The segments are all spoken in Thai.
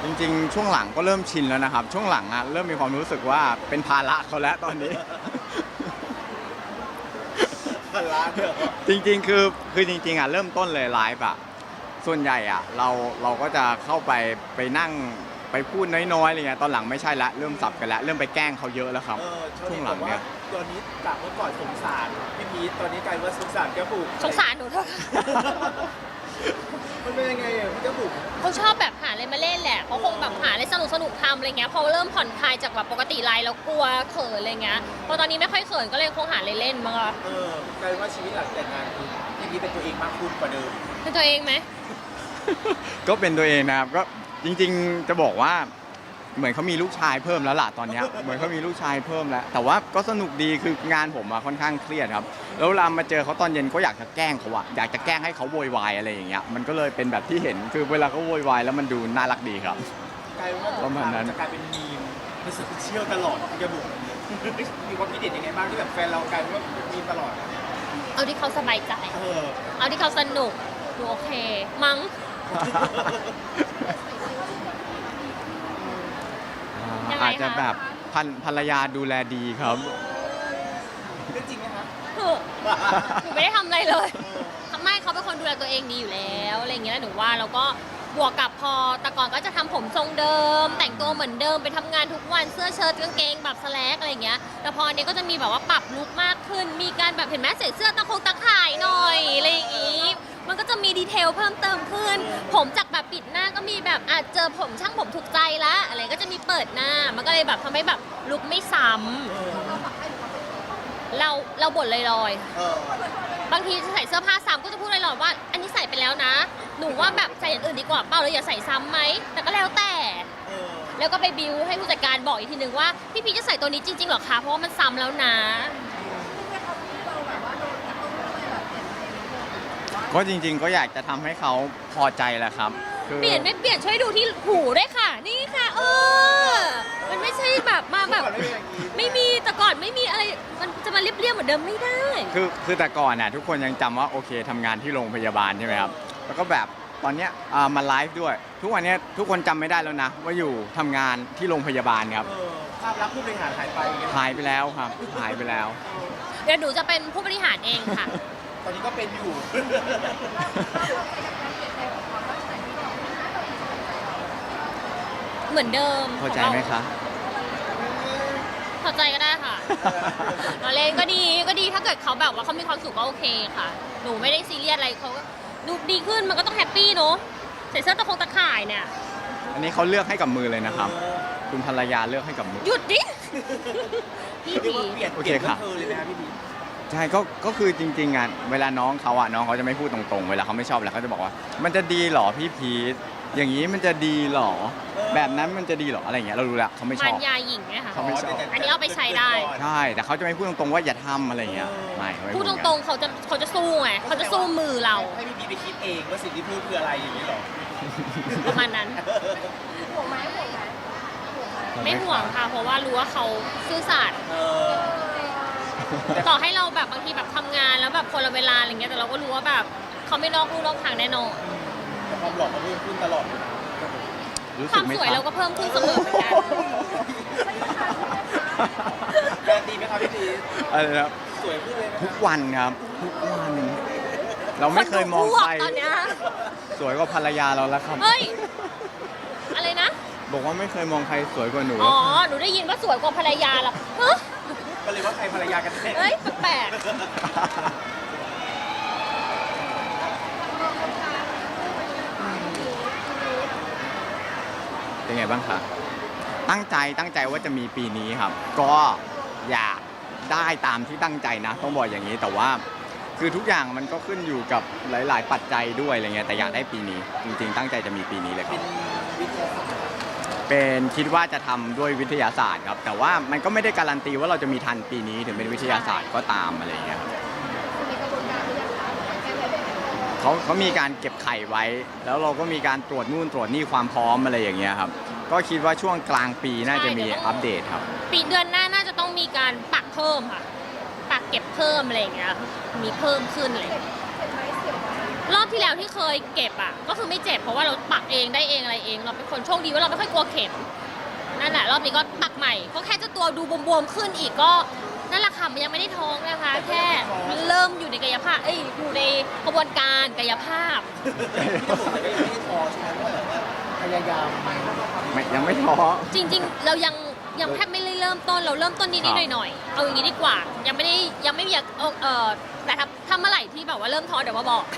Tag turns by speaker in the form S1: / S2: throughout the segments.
S1: จริงๆช่วงหลังก็เริ่มชินแล้วนะครับช่วงหลังเริ่มมีความรู้สึกว่าเป็นภาระเขาแล้วตอนนี้
S2: พันล้านเหรอ
S1: จริงๆคือจริงๆเริ่มต้นเลยไลฟ์ส่วนใหญ่เราก็จะเข้าไปนั่งไปพูดน้อยๆอะไรเงี้ยตอนหลังไม่ใช่ละเริ่มสับกันแล้วเริ่มไปแกล้งเขาเยอะแล้วครับช่วงหลังเนี่ย
S2: ตอนนี้จากเมื่อก่อนสงสารพี่พีทตอนนี้กลายว่าสงสารแก้วบุก
S3: สงสารหนูเถอะ
S2: มันเป็นยังไงอ่ะพี่แก้วบุก
S3: เขาชอบแบบหาอะไรมาเล่นแหละเขาคงแบบหาอะไรสนุกทำอะไรเงี้ยพอเริ่มผ่อนคลายจากแบบปกติไลน์แล้วกลัวเขินอะไรเงี้ยพอตอนนี้ไม่ค่อยเขินก็เลยคงหาอะไรเล่นมั้งคะ
S2: กลายว่าชีวิตหลังแต่งงานคือพี่พีทเป็นตัวเองมากขึ้นกว่าเดิม
S3: เป็นตัวเองไหม
S1: ก็เป็นตัวเองนะครับก็จริงๆจะบอกว่าเหมือนเขามีลูกชายเพิ่มแล้วล่ะตอนเนี้ยเหมือนเขามีลูกชายเพิ่มแล้วแต่ว่าก็สนุกดีคืองานผมค่อนข้างเครียดครับแล้วเวลามาเจอเขาตอนเย็นก็อยากจะแกล้งเขาอยากจะแกล้งให้เขาโวยวายอะไรอย่างเงี้ยมันก็เลยเป็นแบบที่เห็นคือเวลาเขาโวยวายแล้วมันดูน่ารักดีครับ
S2: กลายว่า
S1: ประมาณนั้น
S2: จะกลายเป็นมีมในโซเชียลตลอดพี่แก้วบุกมีความคิดเห็นยังไงบ้างที่แบบแฟนเรากลายเป็นว่ามีตลอด
S3: เอาที่เขาสบายใจ
S2: เออ
S3: เอาที่เขาสนุกดูโอเค มั้ง ยังไงคะ
S1: อาจจะแบบภรรยาดูแลดีครับ
S2: เรื่องจริงไหมคะ
S3: เถอะหนูไม่ได้ทำอะไรเลยไม่เขาเป็นคนดูแลตัวเองดีอยู่แล้วอะไรอย่างเงี้ยแล้วหนูว่าเราก็บวกกับพอแต่ก่อนก็จะทำผมทรงเดิม แต่งตัวเหมือนเดิมไปทำงานทุกวันเสื้อเชิ้ตกางเกงแบบสแลกอะไรอย่างเงี้ยแต่พออันนี้ก็จะมีแบบว่าปรับลุคมากขึ้น มีการแบบเห็นไหมใส่เสื้อตะข่ายหน่อยอะไรอย่างงี้มันก็จะมีดีเทลเพิ่มเติมขึ้น ผมจากแบบปิดหน้าก็มีแบบอาจเจอผมช่างผมถูกใจละอะไรก็จะมีเปิดหน้ามันก็เลยแบบทำให้แบบลุคไม่ซ้ำเราบ่นลอยๆ
S2: เออบ
S3: างทีใส่เสื้อผ้าซ้ำก็จะพูดลอยๆว่า อันนี้ใส่ไปแล้วนะ หนูว่าแบบใส่อย่างอื่นดีกว่าเปล่าเลยอย่าใส่ซ้ำไหมแต่ก็แล้วแต่
S2: เออ
S3: แล้วก็ไปบิวให้ผู้จัดการบอกอีกทีนึงว่าพี่พีชจะใส่ตัวนี้จริงๆหรอคะเพราะว่ามันซ้ำแล้วนะ
S1: ก็จริงๆก็อยากจะทำให้เขาพอใจแหละครับคือ
S3: เปลี่ยนไม่เปลี่ยนช่วยดูที่หูด้วยค่ะ นี่ค่ะมันไม่ใช่แบบมาแบบ
S2: ก่อนไม่เป็นอย่างนี้
S3: ไม่มีแต่ก่อนไม่มีอะไรมันจะมาเรียบๆเหมือนเดิมไม่ได้
S1: คือแต่ก่อนทุกคนยังจำว่าโอเคทำงานที่โรงพยาบาลใช่ไหมครับแล้วก็แบบตอนเนี้ยมาไลฟ์ด้วย ทุกวันเนี้ยทุกคนจำไม่ได้แล้วนะว่าอยู่ทำงานที่โรงพยาบาลครับ
S2: เออภาพลักษณ์ผู้บริหารหายไปอย่างเงี้ย
S1: หายไปแล้วครับหายไปแล้ว
S3: เดี๋ยวหนูจะเป็นผู้บริหารเองค่ะ
S2: ตอนนี้ก็เป็นอยู่
S3: เหมือนเดิม
S1: เข้าใจไหมคะ
S3: เข้าใจก็ได้ค่ะ เราเล่นก็ดีถ้าเกิดเขาแบบว่าเขามีความสุขก็โอเคค่ะ หนูไม่ได้ซีเรียสอะไรเขาก็ดูดีขึ้นมันก็ต้องแฮปปี้เนอะใส่เสื้อตะข่ายเนี่ย
S1: อันนี้เขาเลือกให้กับมือเลยนะครับ คุณภรรยาเลือกให้กับมือ
S3: หยุดดิ พี่
S2: เรียก
S3: ผี
S2: ว่าเปลี่ยน
S1: โอ
S2: เป
S1: เค
S2: ลี่ยน
S1: ครั
S2: เพื่อบ เธอเลยนะพี่พี
S1: ใช่ก็คือจริงๆเวลาน้องเขาจะไม่พูดตรงๆ เวลาเขาไม่ชอบแล้วเขาจะบอกว่า มันจะดีเหรอพี่พีทอย่างนี้มันจะดีเหรอ แบบนั้นมันจะดีเหรออะไรอย่างเงี้ยเรารู้แล้วเขาไม่ช
S3: มั
S1: อน บ
S3: ยาหญิงไหมคะ
S1: เขาไม่ชอบ
S3: อันนี้เอาไปใช้ได้
S1: ใช่แต่เขาจะไม่พูดตรงๆว่าอย่าทำอะไรอย่างเงี้ยไม่เขาไม่
S3: พูดต
S1: อย่าง
S3: ร
S1: นั้น
S3: งๆเขาจะสู้ไงเขาจะสู้มือเรา
S2: ให้พี่พีไปคิดเองว่าสิ่งที่พูดคืออะไรอย่างนี้หรอ
S3: ประมาณนั้น ไม่ห่วงค่ะ เพราะว่ารู้ว่าเขาซื่อสัตย์
S2: เออ
S3: ต่อให้เราแบบบางทีแบบทำงานแล้วแบบคนละเวลาอะไรเงี้ยแต่เราก็รู้ว่าแบบเขาไม่นอกลู่นอกทางแน่นอน
S2: แต่ความหลอกเขาเพิ่มขึ้นตลอดเลยนะ
S1: รู้
S3: ค
S1: สึ
S3: วาก ม
S1: ไหม
S3: สวย
S1: ค
S3: เรา
S1: รับ
S3: ก็เพิ่มขึ้นเสมอเหมือนกัน
S2: แรงดีไหมครับพี่พี
S1: อะไรนะครับ
S2: สวยขึ้นเลยนะ
S1: ทุกวันครับทุกวัน เราไม่เคยมองใคร
S3: ตอนเนี้ย
S1: สวยกว่าภรรยาเราแล้วครับ
S3: เฮ้ย อะไรนะ
S1: บอกว่าไม่เคยมองใครสวยกว่าหนู
S3: อ๋อ หนูได้ยินว่าสวยกว่าภรรยาเหรอฮะ
S2: ก็เลยว่าใครภรรยากันแน่
S3: เฮ้ย แปลก
S1: เป็นไงบ้างคะตั้งใจว่าจะมีปีนี้ครับ ก็อยากได้ตามที่ตั้งใจนะ ต้องบอกอย่างนี้แต่ว่าคือทุกอย่างมันก็ขึ้นอยู่กับหลาย ๆ ปัจจัยด้วยอะไรเงี้ยแต่อยากได้ปีนี้ จริง ๆ ตั้งใจจะมีปีนี้เลยครับ
S2: วิทยาศาสตร์
S1: เป็นคิดว่าจะทำด้วยวิทยาศาสตร์ครับ แต่ว่ามันก็ไม่ได้การันตีว่าเราจะมีทันปีนี้ถึงเป็นวิทยาศาสตร์ก็ตามอะไรเงี้ยครับเขามีการเก็บไข่ไว้ แล้วเราก็มีการตรวจนู่นตรวจนี่ความพร้อมอะไรอย่างเงี้ยครับก็คิดว่าช่วงกลางปีน่าจะมีอัปเดตครับ
S3: ปีเดือนหน้าน่าจะต้องมีการปักเพิ่มค่ะ ปักเก็บเพิ่มอะไรอย่างเงี้ย มีเพิ่มขึ้นอะไรอย่างเงี้ยรอบที่แล้วที่เคยเก็บอ่ะก็คือไม่เจ็บเพราะว่าเราปักเองได้เองอะไรเอง เราเป็นคนโชคดีว่าเราไม่ค่อยกลัวเข็มนั่นแหละรอบนี้ก็ปักใหม่ก็แค่เจ้าตัวดูบวมๆขึ้นอีกก็นั่นแหละค่ะมันยังไม่ได้ท้องนะคะแค่เริ่มอยู่ในกายภาพอยู่ในกระบวนการกายภาพ
S2: พี่บุ๋มแต่ก็ยังไม่ได้พอใช่ไหมว่าแบบว่าพยายามไป
S1: ยังไม่ท้อ
S3: จริงๆ เรายังแทบไม่ได้เริ่มต้นเราเริ่มต้นนิดๆหน่อยๆเอาอย่างนี้ดีกว่า ยังไม่อยากแต่ถ้าเมื่อไหร่ที่แบบว่าเริ่มท้อเดี๋ยวมาบอก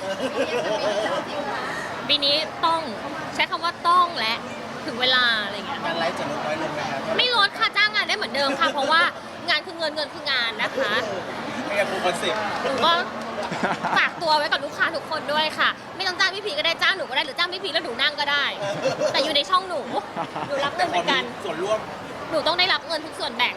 S3: ปีนี้ต้องใช้คำว่าต้องและถึงเวลาอะไรอย่างเงี้ย
S2: การไลฟ์จะลดน้อยลงไหมครับ
S3: ไม่ลดค่ะจ้างงานได้เหมือนเดิมค่ะ เพราะว่างานคือเงินเงินคืองานนะคะ
S2: ไม่งั้นฟูลคอนเซ็ปต์
S3: หนูก็ฝากตัวไว้กับลูกค้าทุกคนด้วยค่ะ ไม่ต้องจ้างพี่พีก็ได้จ้างหนูก็ได้หรือจ้างพี่พีแล้วหนูนั่งก็ได้ แต่อยู่ในช่องหนูรับเงินเหมือนกัน
S2: ส่วนร่วม
S3: หนูต้องได้รับเงินทุกส่วนแบ่ง